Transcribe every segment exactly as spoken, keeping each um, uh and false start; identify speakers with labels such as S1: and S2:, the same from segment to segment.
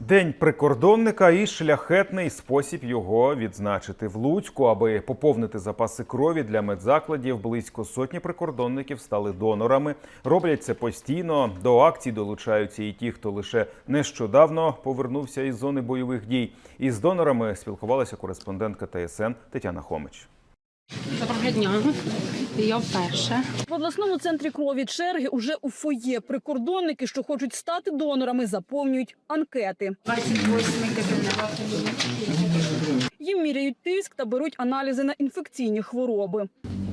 S1: День прикордонника і шляхетний спосіб його відзначити. В Луцьку, аби поповнити запаси крові для медзакладів, близько сотні прикордонників стали донорами. Роблять це постійно. До акцій долучаються і ті, хто лише нещодавно повернувся із зони бойових дій. Із донорами спілкувалася кореспондентка Т С Н Тетяна Хомич.
S2: Доброго дня. Я вперше.
S3: В обласному центрі крові черги уже у фоє. Прикордонники, що хочуть стати донорами, заповнюють анкети.
S2: двадцять восьмий кабінет.
S3: Їм міряють тиск та беруть аналізи на інфекційні хвороби.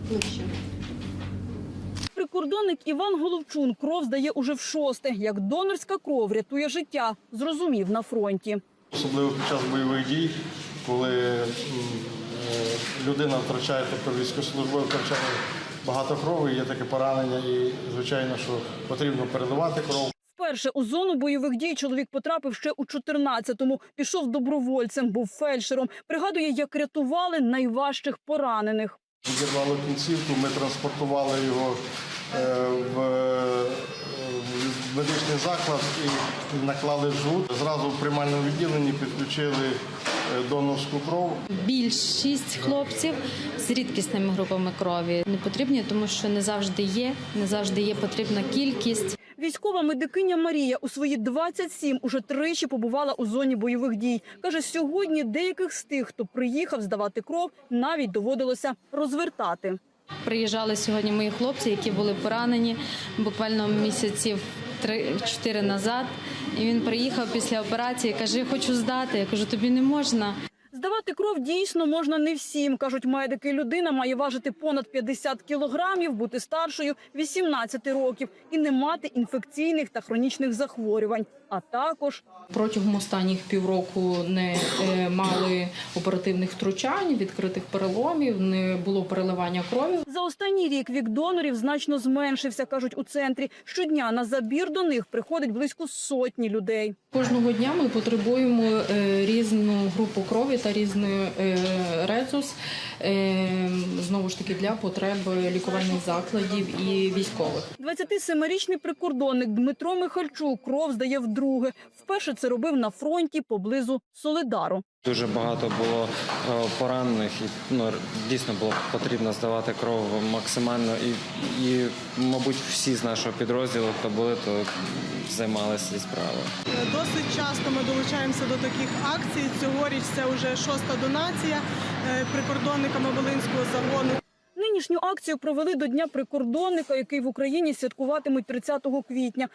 S3: Прикордонник Іван Головчун кров здає уже в шосте. Як донорська кров рятує життя, зрозумів на фронті.
S4: Особливо під час бойових дій, коли людина втрачає, тобто військовослужбовець втрачає багато крові, є таке поранення і, звичайно, що потрібно передавати кров.
S3: Вперше у зону бойових дій чоловік потрапив ще у чотирнадцятому. Пішов добровольцем, був фельдшером. Пригадує, як рятували найважчих поранених.
S4: Відірвало кінцівку, ми транспортували його в медичний заклад і наклали жгут. Зразу в приймальному відділенні підключили донорську кров.
S5: Більшість хлопців з рідкісними групами крові не потрібні, тому що не завжди є, не завжди є потрібна кількість.
S3: Військова медикиня Марія у свої двадцять сім уже тричі побувала у зоні бойових дій. Каже, сьогодні деяких з тих, хто приїхав здавати кров, навіть доводилося розвертати.
S5: Приїжджали сьогодні мої хлопці, які були поранені буквально місяців три-чотири назад. І він приїхав після операції, каже, я хочу здати. Я кажу, тобі не можна.
S3: Здавати кров дійсно можна не всім, кажуть медики. Людина має важити понад п'ятдесят кілограмів, бути старшою вісімнадцяти років і не мати інфекційних та хронічних захворювань. А також
S6: протягом останніх півроку не мали оперативних втручань, відкритих переломів, не було переливання крові.
S3: За останній рік вік донорів значно зменшився, кажуть у центрі. Щодня на забір до них приходить близько сотні людей.
S6: Кожного дня ми потребуємо різну групу крові та різний резус, знову ж таки, для потреб лікувальних закладів і військових.
S3: двадцятисемирічний прикордонник Дмитро Михальчук кров здає вдруге. Вперше це робив на фронті поблизу Солидару.
S7: Дуже багато було поранених і ну, дійсно було потрібно здавати кров максимально. І, і, мабуть, всі з нашого підрозділу, хто були, то займалися цією справою.
S8: Досить часто ми долучаємося до таких акцій. Цьогоріч це вже шоста донація прикордонниками Волинського загону.
S3: Нинішню акцію провели до Дня прикордонника, який в Україні святкуватимуть тридцятого квітня.